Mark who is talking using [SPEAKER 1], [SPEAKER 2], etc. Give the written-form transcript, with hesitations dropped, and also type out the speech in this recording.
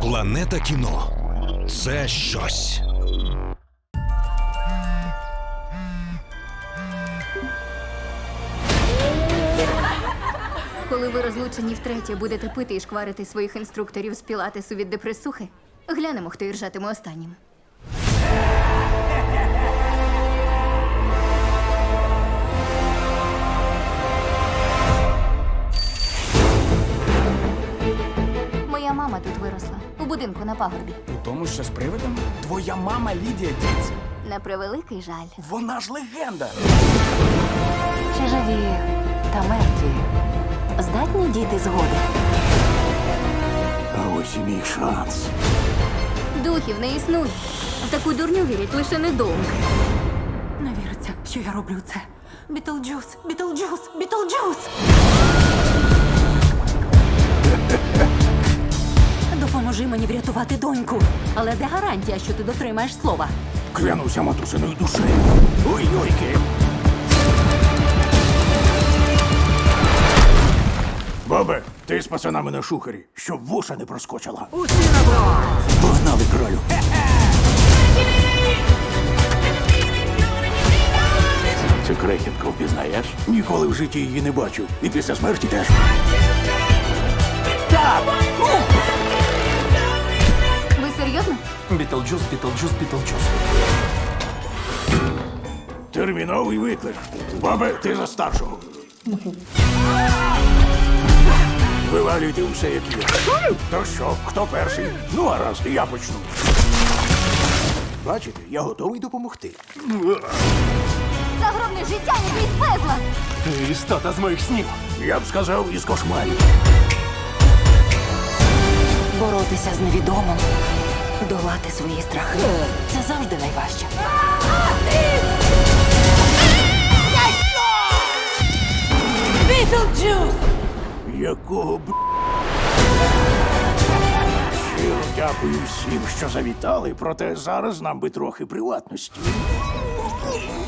[SPEAKER 1] Планета кіно – це щось.
[SPEAKER 2] Коли ви розлучені втретє будете пити і шкварити своїх інструкторів з пілатесу від депресухи, глянемо, хто іржатиме останнім. Моя мама тут виросла, у будинку на пагорбі.
[SPEAKER 3] У тому, що з привидом? Твоя мама Лідія Діц.
[SPEAKER 2] На превеликий жаль.
[SPEAKER 3] Вона ж легенда.
[SPEAKER 4] Чи живі та мертві здатні діти згоди?
[SPEAKER 5] А ось і мій шанс.
[SPEAKER 2] Духів не існує. В таку дурню вірять лише недовго.
[SPEAKER 4] Не віриться, що я роблю це. Бітлджус, Бітлджус, Бітлджус! Допоможи мені врятувати доньку. Але де гарантія, що ти дотримаєш слова?
[SPEAKER 5] Клянуся матусиною душею. Ой-ойки. Бабе, ти з пацанами на шухері, щоб вуша не проскочила.
[SPEAKER 3] Усі на борт!
[SPEAKER 5] Погнали, кролю. Цю крехітку впізнаєш? Ніколи в житті її не бачив. І після смерті теж. Так!
[SPEAKER 2] Ви серйозно?
[SPEAKER 3] Бітлджус, Бітлджус, Бітлджус.
[SPEAKER 5] Терміновий виклик. Бабе, ти за старшого. Вивалюйте усе, як є. То що, хто перший? Ну, гаразд, я почну. Бачите, я готовий допомогти.
[SPEAKER 2] Загробне життя не крізь безла!
[SPEAKER 3] Ти істота з моїх снів.
[SPEAKER 5] Я б сказав, із кошмарів.
[SPEAKER 4] Боротися з невідомим, долати свої страхи. Це завжди найважче. Бітлджус!
[SPEAKER 5] Якого б... Щиро дякую всім, що завітали, проте зараз нам би трохи приватності.